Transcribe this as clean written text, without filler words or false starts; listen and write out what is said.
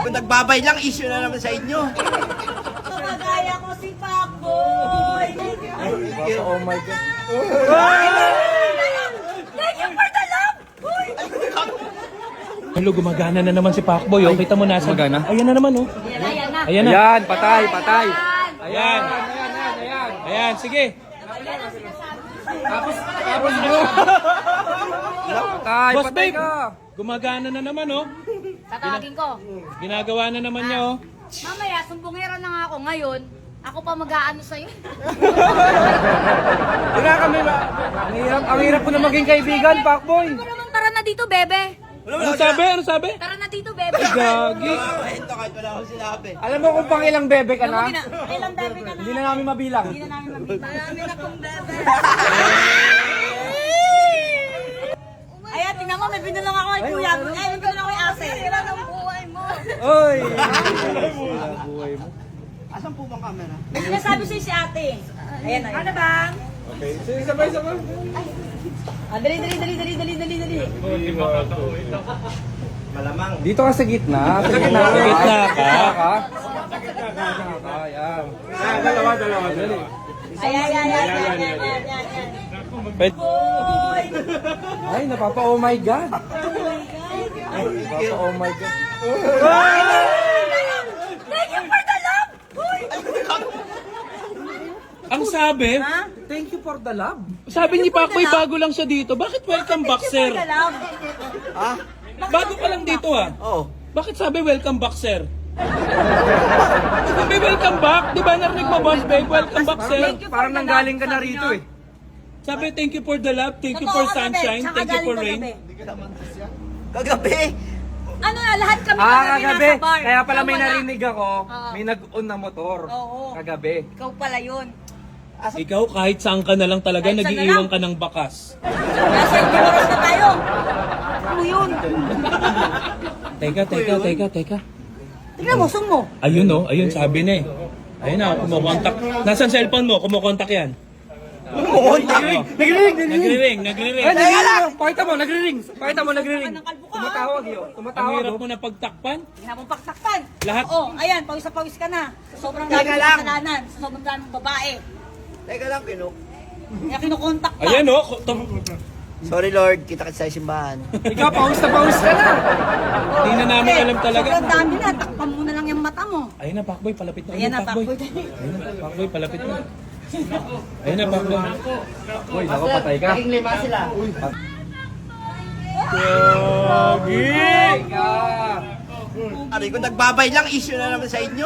Kung nagbabay lang, issue na naman sa inyo. Kapagaya ko si Pacboy. Oh my God. Thank you for the love! Uy! Hello, gumagana na naman si Pacboy. Oh, kita mo nasa. Gumagana? Ayan na naman, oh. Ayan na. Ayan na. Ayan, patay, patay. Ayan. Ayan, sige. Tapos mo. Patay, Boss patay babe, ka. gumagana na naman, oh. Tatawagin ko. Ginagawa na naman niya, oh. Mamaya, sumbongera na nga ako ngayon. Ako pa mag-aano sa'yo. Wala kami ba? Ang hirap ko na maging kaibigan, Pacboy. Ano naman, tara na dito, bebe. Ano sabi? Ano sabi? Tara na dito, bebe. Gagi. Ito kahit wala akong sinabi. Alam mo kung pang ilang bebe ka na? Ilang bebe ka na? Hindi na namin mabilang. Hindi na namin mabita. Marami na kong bebe. Ayan, tingnan mo, may binulang ako kay kuya. Ay, may binulang ako kay ate. Sira ng buhay mo. Oy! Asan po bang camera? May sinasabi sa'yo si ate. Ayan, ayan. Ano bang? Sige, sabay-sabay. Dali. Malamang. Dito ka sa gitna. Sa gitna. Sa gitna ka. Ayan. Dalawa. Ayan. Pwede. Ay, napapa-oh my God. Napapa-oh my God. Thank you for the love! Uy! Ang sabi, Thank you for the love. sabi ni Pacboy bago lang siya dito. Bakit welcome back, Thank you sir? for the love. Ha? Bago ka lang dito, ah. Oo. Bakit sabi welcome back, sir? Sabi welcome back. Di ba narinig mo, boss babe? Welcome back, sir. Parang nanggaling ka na rito eh. Sabi thank you for the love, thank you Totoo for kagabi, sunshine, tsaka thank you for galing rain. kagabi. Kagabi. Ano na, lahat kami Kagabi. nasa bar. Kaya pala may Ikaw wala. narinig ako, Oo. may nag-on na motor. Oo. Kagabi. Ikaw pala yun. Ikaw kahit saan ka na lang talaga, Kahit saan na nag-iiwan lang. ka ng bakas. Nasa ibang oras na tayo. Ano yun? Teka. Tingnan mo, sung mo. Ayun oh, ayun sabi na eh. Ayun na, kumukontak. Nasaan cellphone mo? Kumukontak yan. Nagre-ring. Nagre-ring. Ay, nagre-ring. Pakita mo, nagre-ring. Pakita mo, nagre-ring. Tumatawag yun. Ang Tumatawag hirap yun. mo na pagtakpan. Hindi na mong pagsaktan. Lahat. Oh, ayan, pawis na pawis ka na. Sa sobrang Teka dami ng lang. kasalanan. Sa sobrang dami ng babae. Teka lang, Kinok. Kaya kinukontak ka. Ayan oh. Sorry Lord, kita kita sa simbahan. Ikaw, pawis na pawis ka na. Hindi na namin alam talaga. Sobrang dami na. Takpan mo na lang yung mata mo. Ayun na, Pacboy, palapit na. Ayan na, Pacboy. Pacboy. Ayun na, Pacboy, palapit na. Ayun na, Pacboy. Uy, naku, patay ka. lima sila. Patay ka. Aray, kung nagbabay lang, issue na naman sa inyo.